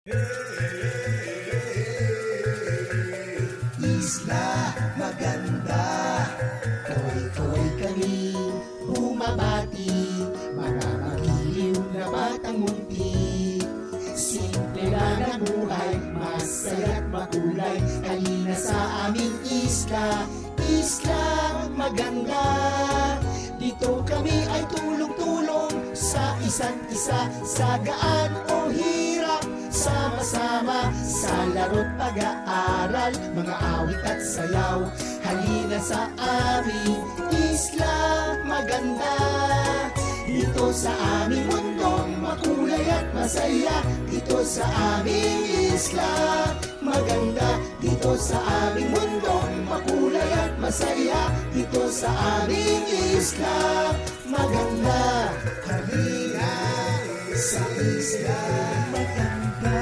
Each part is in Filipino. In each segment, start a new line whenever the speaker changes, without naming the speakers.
Isla maganda, koy-koy kami bumabati, mga magiliw na batang munti. Simple lang ang buhay, masaya't makulay, halina sa aming isla, isla maganda. Dito kami ay tulong-tulong sa isa't isa, sa gaan o hirap, sama-sama sa laro't pag-aaral, mga awit at sayaw. Halina sa aming isla maganda. Dito sa aming mundong makulay at masaya, dito sa aming isla maganda. Dito sa aming mundong makulay at masaya, dito sa aming isla maganda. Halina sa isla maganda.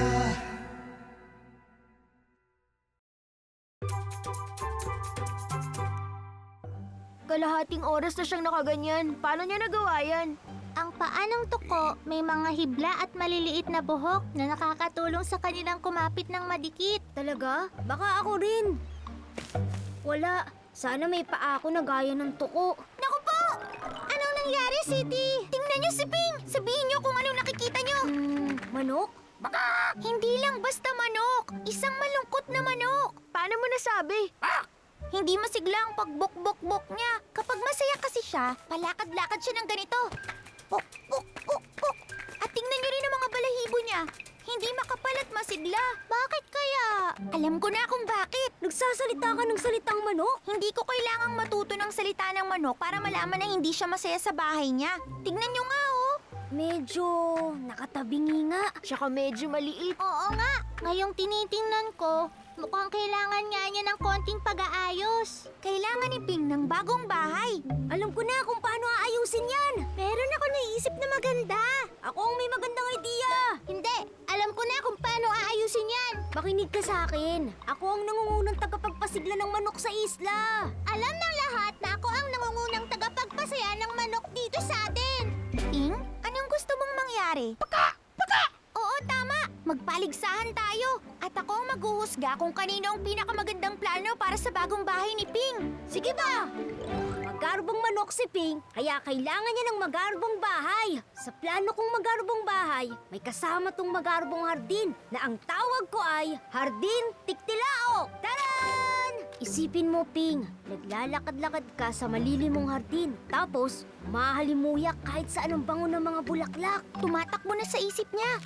Kalahating oras na siyang nakaganyan. Paano niya nagawa yan?
Ang paa ng tuko may mga hibla at maliliit na buhok na nakakatulong sa kanilang kumapit ng madikit.
Talaga? Baka ako rin. Wala. Sana may paa ako na gaya ng tuko.
Naku po! Anong nangyari, City? Tingnan niyo si Ping! Sabihin niyo kung anong nakikita niyo!
Manok?
Hindi lang basta manok! Isang malungkot na manok!
Paano mo nasabi?
Hindi masigla ang pagbok-bok-bok niya. Kapag masaya kasi siya, palakad-lakad siya ng ganito. Pok, pok, pok, pok. At tingnan niyo rin ang mga balahibo niya. Hindi makapal at masigla. Bakit kaya? Alam ko na kung bakit.
Nagsasalita ka ng salitang manok?
Hindi ko kailangang matuto ng salita ng manok para malaman na hindi siya masaya sa bahay niya. Tingnan niyo nga, oh.
Medyo nakatabingi nga. Tsaka medyo maliit.
Oo nga. Ngayong tinitingnan ko, mukhang kailangan nga niya ng konting pag-aayos. Kailangan ni Ping ng bagong bahay.
Alam ko na kung paano aayusin yan.
Meron ako naisip na maganda.
Ako ang may magandang idea.
Hindi, alam ko na kung paano aayusin yan.
Makinig ka sa akin. Ako ang nangungunang tagapagpasigla ng manok sa isla.
Alam ng lahat na ako ang nangungunang tagapagpasaya ng manok dito sa atin. Ping, anong gusto mong mangyari? Paka! Oo, tama. Magpaligsahan tayo. At ako ang maghuhusga kung kanino ang pinakamagandang plano para sa bagong bahay ni Ping.
Sige ba? Magarbong manok si Ping, kaya kailangan niya ng magarbong bahay. Sa plano kong magarbong bahay, may kasama tong magarbong hardin na ang tawag ko ay Hardin Tiktilao. Taran! Isipin mo, Ping, naglalakad-lakad ka sa malilimong hardin. Tapos, mahalimuyak kahit saan ang bango ng mga bulaklak.
Tumatakbo na sa isip niya.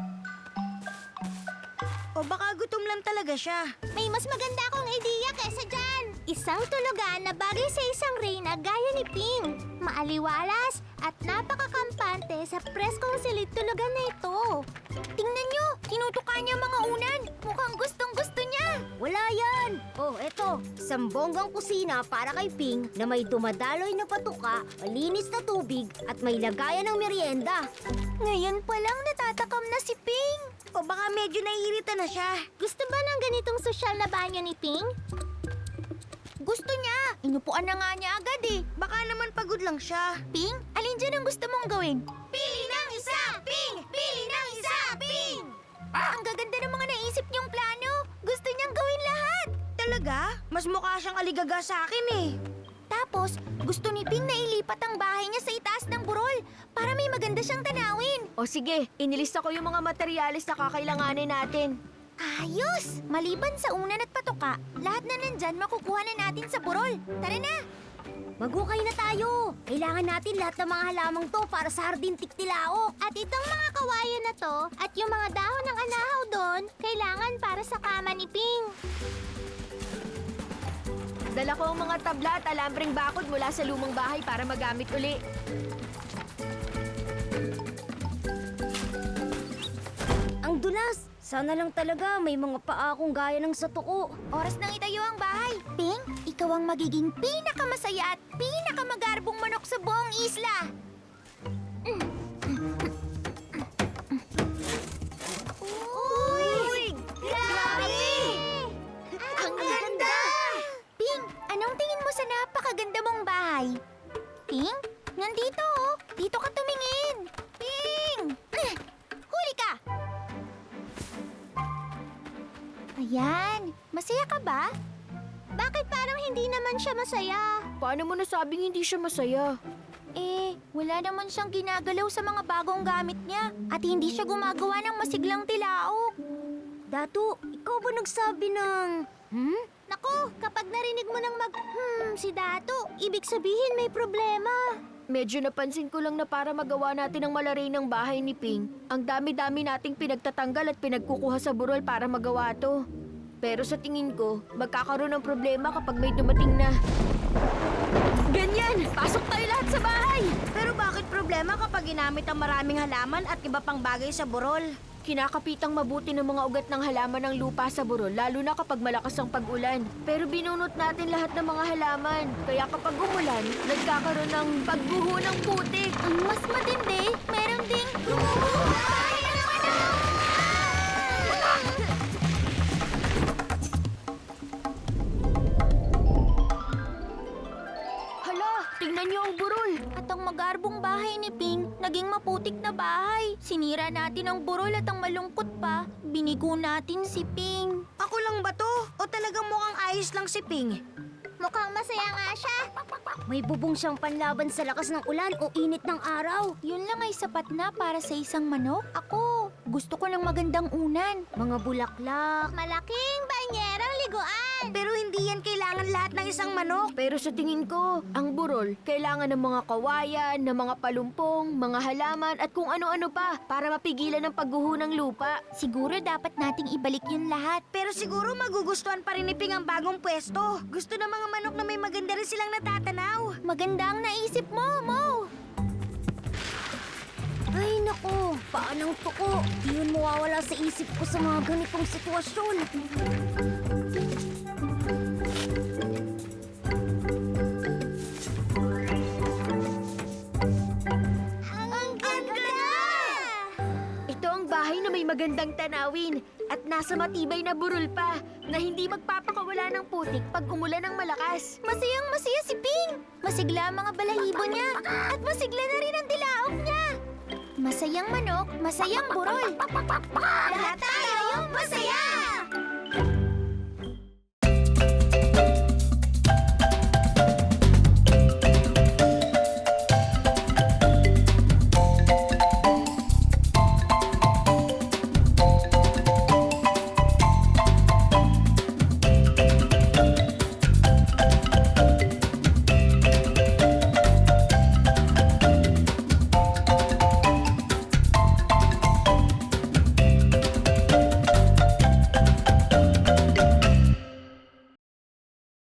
O baka gutom lang talaga siya.
May mas maganda akong ideya kesa dyan. Isang tulugan na bagay sa isang reyna gaya ni Ping. Maaliwalas at napakakampante sa preskong silid tulugan na ito. Tingnan nyo, tinutukan niya mga unan. Mukhang gustong-gusto niya.
Wala yan! Oh, eto, isang bonggang kusina para kay Ping na may dumadaloy na patuka, malinis na tubig at may lagayan ng merienda.
Ngayon pa lang natatakam na si Ping.
O baka medyo naiirita na siya.
Gusto ba ng ganitong sosyal na banyo ni Ping? Gusto niya. Inupuan na nga niya agad eh.
Baka naman pagod lang siya.
Ping, alin dyan ang gusto mong gawin? Pili ng isa! Ping! Pili ng isa! Ping! Ang gaganda ng mga naisip niyong plano. Gusto niyang gawin lahat.
Talaga? Mas mukha siyang aligaga sa akin eh.
Tapos, gusto ni Ping na ilipat ang bahay niya sa itaas ng burol para may maganda siyang tanawin.
O sige, inilista ko yung mga materyales na kakailanganin natin.
Ayos! Maliban sa unan at patuka, lahat na nandyan makukuha na natin sa burol. Tara na!
Magukay na tayo! Kailangan natin lahat ng mga halamang to para sa Hardin Tiktilao.
At itong mga kawayan na to at yung mga dahon ng anahaw doon, kailangan para sa kama ni Ping.
Dala ko ang mga tabla at alambreng bakod mula sa lumang bahay para magamit uli. Ang dulas! Sana lang talaga may mga paa akong gaya ng sa tuko.
Oras nang itayo ang bahay. Ping, ikaw ang magiging pinakamasaya at pinakamagarbong manok sa buong isla. Uy! Grabe! Ang ganda! Ping, anong tingin mo sa napakaganda mong bahay? Ping, nandito oh. Dito ka tumingin. Ping! Huli ka! Yan. Masaya ka ba? Bakit parang hindi naman siya masaya?
Paano mo nasabing hindi siya masaya?
Wala naman siyang ginagalaw sa mga bagong gamit niya. At hindi siya gumagawa ng masiglang tilaok.
Datu, ikaw ba nagsabi ng...
Naku, kapag narinig mo ng si Dato, ibig sabihin may problema.
Medyo napansin ko lang na para magawa natin ang malaray ng bahay ni Ping, ang dami-dami nating pinagtatanggal at pinagkukuha sa burol para magawa to. Pero sa tingin ko, magkakaroon ng problema kapag may dumating na... Ganyan! Pasok tayo lahat sa bahay! Pero bakit problema kapag ginamit ang maraming halaman at iba pang bagay sa burol? Kinakapitang mabuti ng mga ugat ng halaman ng lupa sa burol, lalo na kapag malakas ang pag-ulan. Pero binunot natin lahat ng mga halaman. Kaya kapag umulan, nagkakaroon ng pagbuho ng putik.
Ang mas matindi, meron ding gumubuhay ng manok!
Hala, tingnan niyo ang burol.
At ang magarbong bahay ni Ping, naging maputik na bahay. Sinira natin ang burol at ang malungkot pa, binigo natin si Ping.
Ako lang ba to? O talagang mukhang ayos lang si Ping?
Mukhang masaya nga siya.
May bubong siyang panlaban sa lakas ng ulan o init ng araw.
Yun lang ay sapat na para sa isang manok. Ako, gusto ko ng magandang unan.
Mga bulaklak.
Malaking banyerang liguan.
Pero hindi yan kailangan lahat ng isang manok. Pero sa tingin ko, ang burol, kailangan ng mga kawayan, ng mga palumpong, mga halaman at kung ano-ano pa para mapigilan ang pagguho ng lupa.
Siguro dapat nating ibalik yun lahat.
Pero siguro magugustuhan pa rin ni Ping ang bagong pwesto. Gusto ng mga manok na may maganda rin silang natatanaw.
Maganda ang naisip mo, Mo.
Ay nako, paanong tuko? Di yun mawawala sa isip ko sa mga ganitong sitwasyon.
Ang ganda!
Ito ang bahay na may magandang tanawin at nasa matibay na burol pa na hindi magpapakawala ng putik pag umulan ng malakas.
Masayang masaya si Ping. Masigla ang mga balahibo niya. At masigla na rin ang tilaok niya. Masayang manok, masayang burol. Lahat tayo masaya!